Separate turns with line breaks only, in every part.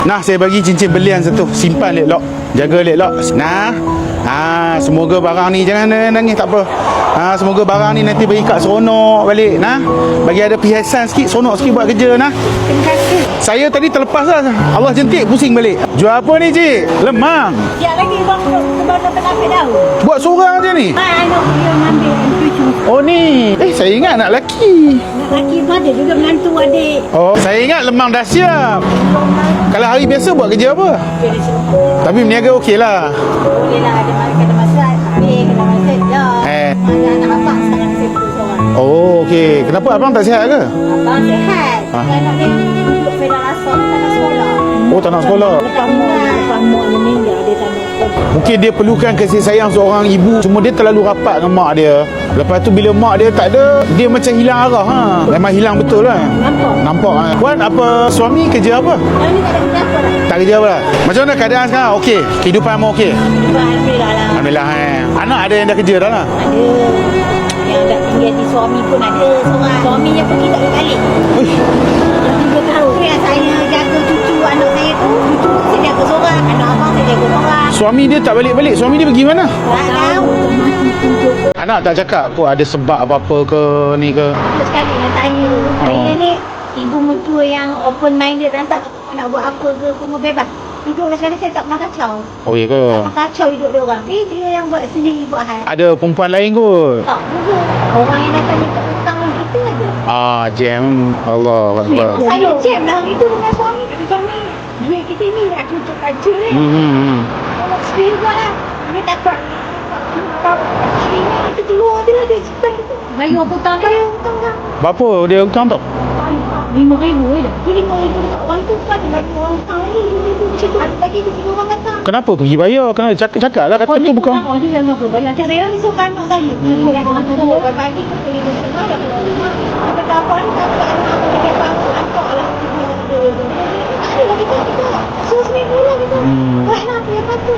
Nah, saya bagi cincin belian satu. Simpan elok. Jaga elok. Nah. Semoga barang ni jangan nangis, tak apa. Semoga barang ni nanti bagi Kak seronok balik. Nah, bagi ada perhiasan sikit, seronok sikit buat kerja. Nah,
Terima kasih.
saya tadi terlepas lah. Allah jentik pusing balik. Jual apa ni, cik? Lemang.
Sekejap lagi bang penapis tahu.
Buat seorang je ni.
Anak dia ambil cucu.
Oh ni. Saya ingat anak lelaki.
Anak lelaki pun ada juga menantu adik.
Oh, saya ingat lemang dah siap. Kalau hari biasa buat kerja apa? Tapi berniaga okey lah.
Boleh lah, ada kena masak. Habis kena masak je. Mana anak abang sekarang saya duduk seorang.
Oh, okey. Kenapa abang tak sihat ke?
Abang sihat. Anak dia duduk pedal asal tak nak sekolah.
Oh, tak nak sekolah.
Lepas mak ni meninggal, dia tak nak sekolah.
Mungkin dia perlukan kasih sayang seorang ibu. Cuma dia terlalu rapat dengan mak dia. Lepas tu bila mak dia tak ada, dia macam hilang arah. Memang hilang betul lah. Nampak. Puan apa, suami kerja apa?
Yang ni tak ada kerja apa lah.
Tak kerja apa lah. Macam mana keadaan sekarang? Okey. Kehidupan mau okey?
Alhamdulillah lah.
Alhamdulillah. Anak ada yang dah kerja dah lah.
Ada. Yang dah tinggal di suami pun ada seorang. Suaminya pergi tak balik.
Uish.
Dah 3 tahun. Yang saya jaga cucu anak saya tu, cucu tu saya jaga seorang. Anak abang saya jaga seorang.
Suami dia tak balik-balik. Suami dia pergi mana?
Tak tahu.
Anak tak cakap kok ada sebab apa-apa ke ni ke?
Sekali nak tanya. Saya ni ibu mertua yang open minded dan tak nak buat apa ke, semua bebas. Hidup sekali saya tak pernah kacau.
Oh ya ke?
Tak pernah kacau hidup dia orang. Dia yang buat sendiri, buat hal.
Ada perempuan lain kot?
Tak juga. Orang yang datang minta hutang dengan kita ada.
Jam. Allah Akbar.
Saya jam lah itu dengan suami. Suami duit kita ni nak tutup kaca ni. Kalau sendiri buat lah. Dia dapat. Kita keluar dia lah. Dia simpan kita. Bayar hutang kan? Bayar hutang kan?
Berapa dia hutang tak?
RM5,000 je dah. RM5,000 dekat orang tu kan. Dia bagi orang hutang lagi. RM5,000 macam tu. Ada lagi dia orang datang.
Kenapa pergi bayar? Kena cakap lah. Kata tu bukan.
Dia yang apa? Bayar. Saya ni suka anak saya. Bagi tu pergi ke sana. Dia kata apa ni? Tak ada anak. Dia kata apa? Angkok lah. Ada lagi tu kita. RM1,000 lah kita. Wah nak dia patut.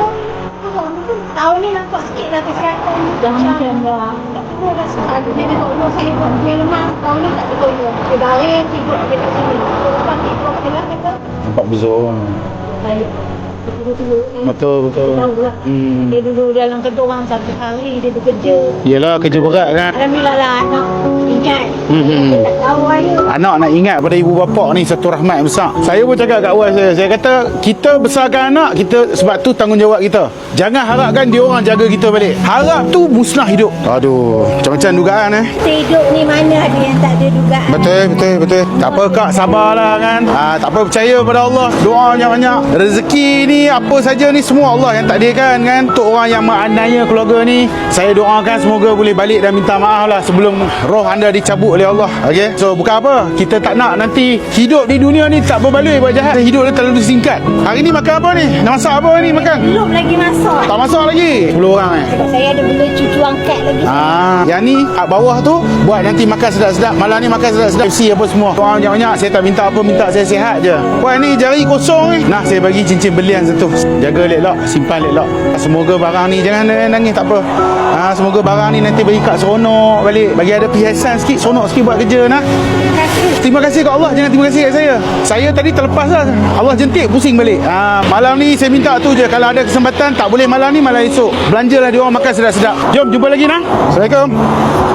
Tahun ni nampak sikit lah kesihatan. Dah macam dah. Tak perlu dah sekali. Dia tengok rumah saya buat dia lemah. Tahun ni tak perlu. Dia baring tidur dekat sini. Lepas tidur kat dalam kata.
Nampak bezong.
Baik.
Betul.
Tahu lah. Dia duduk dalam kerja orang satu hari. Dia bekerja.
Yelah kerja berat kan.
Alhamdulillah lah anak ingat. Tak tahu aja.
Anak nak ingat pada ibu bapa ni satu rahmat yang besar. Saya pun cakap kat awal saya kata kita besarkan anak kita sebab tu tanggungjawab kita. Jangan harapkan dia orang jaga kita balik. Harap tu musnah hidup. Aduh, macam-macam dugaan
Kita hidup ni mana ada yang tak ada dugaan.
Betul. Tak apa kak, sabarlah kan. Tak apa, percaya pada Allah. Doa banyak-banyak. Rezeki ni apa saja ni semua Allah yang takdirkan kan. Untuk orang yang menganiaya keluarga ni, saya doakan semoga boleh balik dan minta maaf lah sebelum roh anda dicabut oleh Allah. Okey. So bukan apa, kita tak nak nanti hidup di dunia ni tak berbaloi buat jahat. Hidup dia terlalu singkat. Hari ni makan apa ni? Nak masak apa ni makan?
Belum lagi masak.
Tak masak lagi. 10 orang
Sebab saya ada bela cucu angkat lagi.
Yang ni kat bawah tu buat nanti makan sedap-sedap. Malam ni makan sedap-sedap. FC apa semua. Doa banyak-banyak. Saya tak minta apa, minta saya sihat je. Wah ni jari kosong ni. Nah, saya bagi cincin belian satu. Jaga elok, simpan elok. Semoga barang ni jangan nangis, tak apa. Semoga barang ni nanti bagi Kak seronok balik. Bagi ada perhiasan sikit, seronok sikit buat kerja. Nah. Terima kasih kat Allah, jangan terima kasih kat saya. Saya tadi terlepas lah. Allah jentik pusing balik. Malam ni saya minta tu je. Kalau ada kesempatan tak boleh malam ni, malam esok. Belanjalah dia orang makan sedap-sedap. Jom jumpa lagi nah. Assalamualaikum.